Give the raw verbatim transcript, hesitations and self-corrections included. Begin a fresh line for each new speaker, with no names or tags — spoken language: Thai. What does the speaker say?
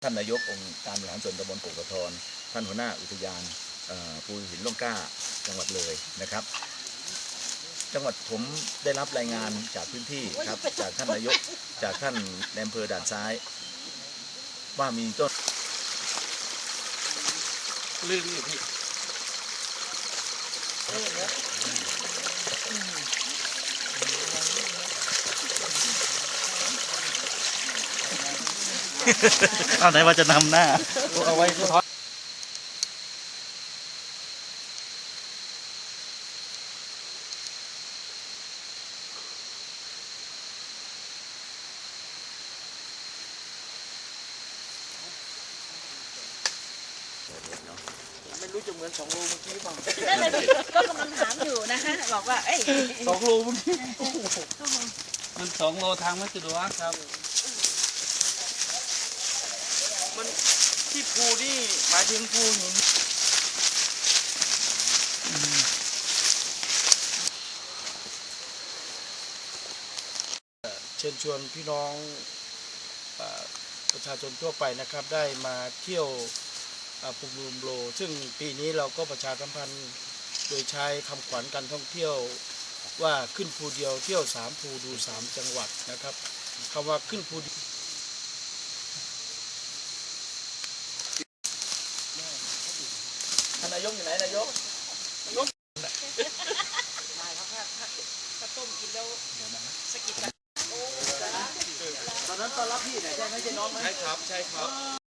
ท่านนายกองค์การบริหารส่วนตำบลโป่งกระทอนท่านหัวหน้าอุทยานภูหินร่องกล้าจังหวัดเลยนะครับ จังหวัดผมได้รับรายงานจากพื้นที่ครับจากท่านนายกจากท่านในอำเภอด่านซ้ายว่ามีต้น
ลื่นอยู่พี่เอาไหนว่าจะนำหน้าเอาไว้ท้อนไม่รู้จะเหมือนสองโลเมื่อกี้เปล่า
นั่นเลยก็กำลังถามอยู่นะฮะบอกว่าเอ้ย
สองโลเมื่อกี้มันสองโลทางไม่สะดวกครับมันที่ภูนี่หมายถึงภูหินเชิญชวนพี่น้องประชาชนทั่วไปนะครับได้มาเที่ยวภูมิลมโลซึ่งปีนี้เราก็ประชาสัมพันธ์โดยใช้คำขวัญการท่องเที่ยวว่าขึ้นภูเดียวเที่ยวสามภูดูสามจังหวัดนะครับคำว่าขึ้นภู
ท่านนายกอยู่ไหนนายก
ได้ครับถ้าถ้าต้มกินแล้วสกิดกัน
ตอนนั้นตอนรับพี่ไหนใช่ไหมใช่น้องไหม
ใช่ครับใช่ครับ